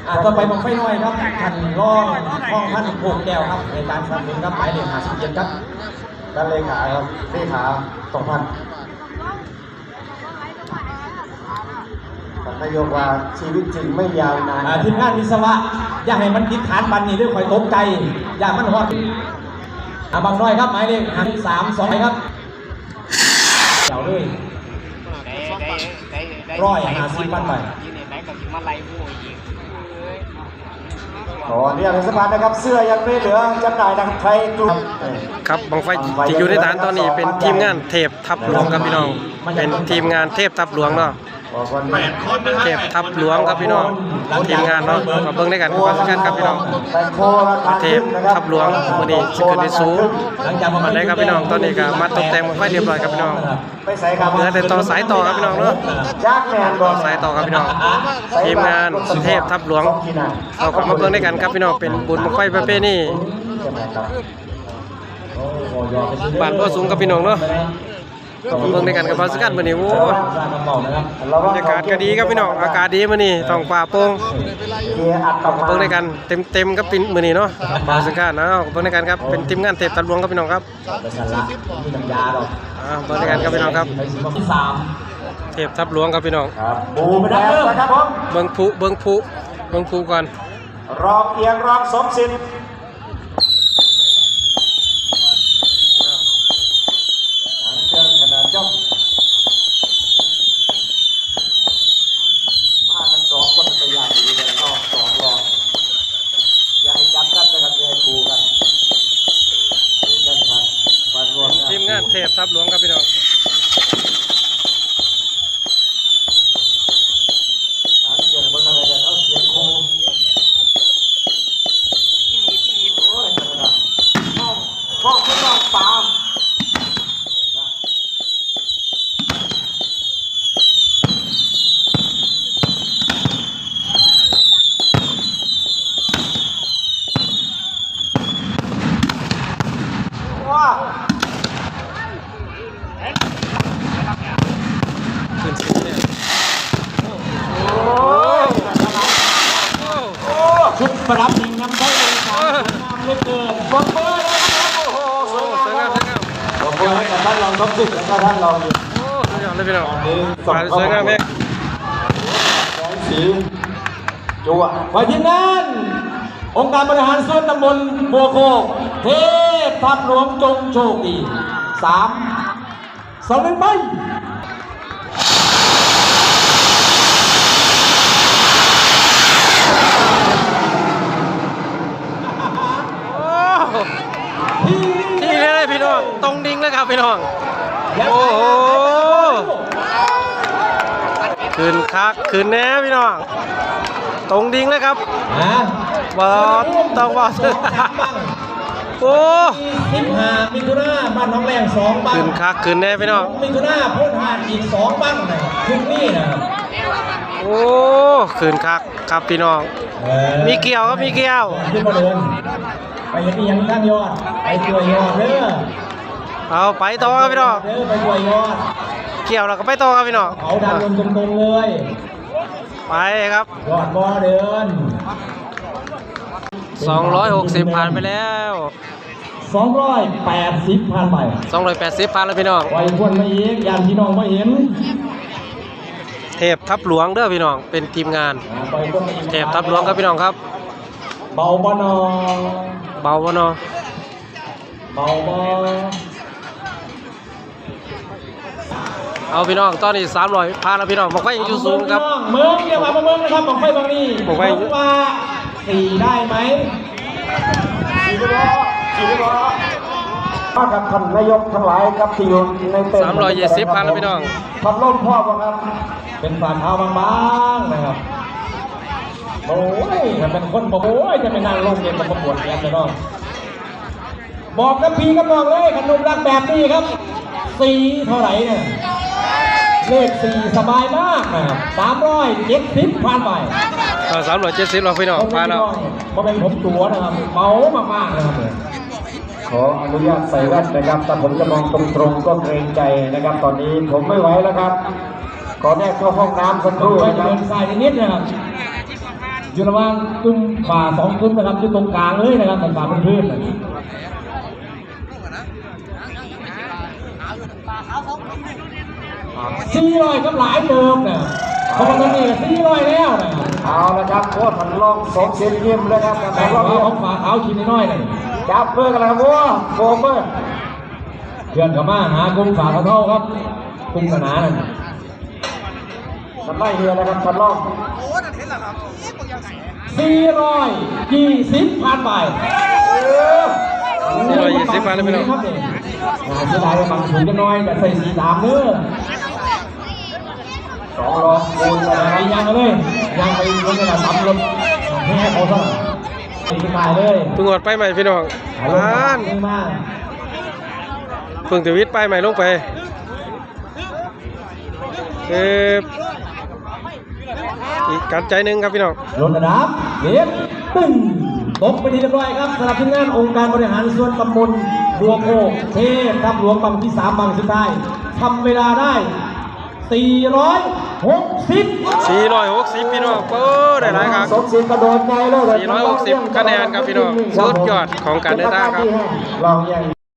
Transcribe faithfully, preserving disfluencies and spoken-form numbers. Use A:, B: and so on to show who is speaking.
A: อ่าต่อไปบังไฟน้อยครับท่านรองห้องท่านผูกแก้วครับในการสนับสนุนครับหมายเลขห้าสิบเจ็ดครับด้านเลขาครับเลขาสองพันนายกว่าชีวิตจริงไม่ยาวนานทีมงานวิศวะอย่าให้มันติดฐานบันนี่ด้วยคอยตกใจอย่ามันฮอดอ่าบางน้อยครับหมายเลขห้าสามสองครับเดี๋ยวด้วยร้อยห้าสิบพันไปอ๋อเนี่ยเป็นสะพานนะครับเสื้อยังไม่เหลือจำหน่ายทางไทยกลุ่ม
B: ครับบังไฟที่อยู่ในฐานตอนนี้เป็นทีมงานเทพทับหลวงครับพี่น้องเป็นทีมงานเทพทับหลวงเนาะเทพทับหลวงครับพี่น้องทีมงานเนาะมาเบิ่งได้กันความสำคัญครับพี่น้องเทพทับหลวงวันนี้จะเกิดในสูงมาได้ครับพี่น้องตอนนี้ก็มาตกแต่งบังไฟเรียบร้อยครับพี่น้องเหลือแต่ต่อสายต่อครับพี่น้องเนาะต่อสายต่อครับพี่น้องทีมงานเทพทับหลวงเราก็มาเบิ่งได้กันครับพี่น้องเป็นบุญบังไฟประเพณีบ้านก็สูงกับพี่น้องเนาะเบิ่งในกันกับพาสกันมื้อนี้โอ้บรรยากาศก็ดีครับพี่น้องอากาศดีมื้อนี้ท้องฟ้าโปร่งเบิ่งในกันเต็มๆกับมื้อนี้เนาะพาสกันนะเบิ่งในกันครับเป็นทีมงานเทพทับหลวงครับพี่น้องครับอ่าเบิ่งในกันครับพี่น้องครับเทพทับหลวงครับพี่น้อง
A: ปูไปดับเบิ้ลนะครับผม
B: เบิ่งผู้เบิ่งผู้เบิ่งผู้ก่อน
A: รองเอียงรองสมศิลป์
B: ทีมงานเทพทับหลวงครับพี่น้องชุดประดับหนึ่งน้ำได้เลยครับน้ำเล็กเกินบอลเบอร์เลยครับโอ้โหสวยงามครับบอลเบอร์ให้กับท่านรองท็อปสิบแล้วก็ท่านรองอยู่โอ้สวยงามเลยพี่น้องสวยงามเองแสงสีจั่วไปทีมงานองค์การบริหารส่วนตำบลบัวโคกเทพทับหลวงจงโชคดีสามสองหนึ่งไปที่เลยพี่น้องตรงดิ่งเลยครับพี่น้องโอ้โหคืนคักคืนแน่พี่น้องตรงดิ่งเลยครับบอดต้องบอดโอ้สิบห้ามิถุนาบ้านน้องแรงสองบ้านคืนคักคืนแน่พี่น้องมิถุนาพ้นหาดอีกสองบ้านคืนนี้นะโอ้คืนคักครับพี่น้องมีเกี่ยวครับมีเกี่ยวไปยังยังข้างยอดไปตัวยอดเด้อเอาไปต่อครับพี่น้องเด้อไปตัวยอดเกี่ยวแล้วก็ไปต่อครับพี่น้องเอาดันลงตรงๆเลยไปครับยอดบอเดินสองร้อยหกสิบผ่านไปแล้วสองร้อยแปดสิบผ่านไปสองร้อยแปดสิบผ่านแล้วพี่น้องไว้ควรมาอีกยานพี่น้องมาเห็นเทพทับหลวงเด้อพี่น้องเป็นทีมงานเทพทับหลวงครับพี่น้องครับเบาบ่นอเบาบ่นอเบาบ่เอาพี่น้องตอนนี้สามร้อยพาแล้วพี่น้องบอกว่ายังอยู่สูงครับเมืองเดี๋ยวมาเมืองนะครับบอกไปบางนี้บอกไปว่าสี่ได้ไหมสี่ได้สี่ได้มากับท่านนายกทั้งหลายครับที่อยู่ในเต็นท์สามร้อยยี่สิบพันแล้วพี่น้องพัดลมพ่อครับเป็นฝ่าเท้าบางๆนะครับโอ้ยถ้าเป็นคนบอกโอ้ยจะไปนั่งลงเย็นมาประกวดกันเลยน้องบอกกับพี่กับน้องเลยขนมรักแบบนี้ครับสี่เท่าไหร่เนี่ยเลขสี่สบายมากนะครับสามร้อยเจ็ดสิบผ่านไปสามร้อยเจ็ดสิบเราพี่น้องผ่านแล้วเพราะเป็นผมตัวนะครับเมามากๆนะครับขออนุญาตใส่แว่นนะครับแต่ผมจะมองตรงๆก็เกรงใจนะครับตอนนี้ผมไม่ไหวแล้วครับขอแนบเข้าห้องน้ำสักครู่นะครับใส่นิดนะครับ
A: อยู่ระหว่างกลุ่มฝ่าสองกลุ่มนะครับอยู่ตรงกลางเลยนะครับเป็นฝ่าเป็นพื้นสี่ร้อยกับหลายเติมเนี่ยเพราะว่าตอนนี้สี่ร้อยแล้วนะเอาละครับโค้ชพันลองสองเซนยิ้มเลยครับแต่ว่าของฝ่าเท้าชิ้นน้อยเลยจับเพื่อนกันแล้ววัวโฟมเพื่อนเพื่อนกับมาหากลุ่มฝ่าเท้าครับกลุ่มขนาดนั้นมันไล่เรือนะครับพันลองสี่ร้อยยี่สิบพันใบ
B: สี่ร้อยยี่สิบพันเลยพี่น้อง
A: เสียดายบางถุงจะน้อยแต่ใส่สีดำเนื้อสองรอบคูณอะไรยังเลยยังไปรถกระดาษซ้ำรถแค่เขาซะตีตายเลย
B: เพิ่งหดไปใหม่พี่น้องล้านเพิ่งจะวิทย์ไปใหม่ลงไปเอออีกการใจหนึ่งครับพี่น้อง
A: รถกระดาษเล็บตึ้งตกไปทีเรียบร้อยครับสำหรับทีมงานองค์การบริหารส่วนตำบลบัวโคกเทพทับหลวงบังที่สามบังสุดท้ายทำเวลาได้สี่ร้อยหกสิบ
B: สี่ร้อยหกสิบพี่น้องเออได้หลายครับสี่ร้อยหกสิบคะแนนครับพี่น้องสุดยอดของการเดินทางครับ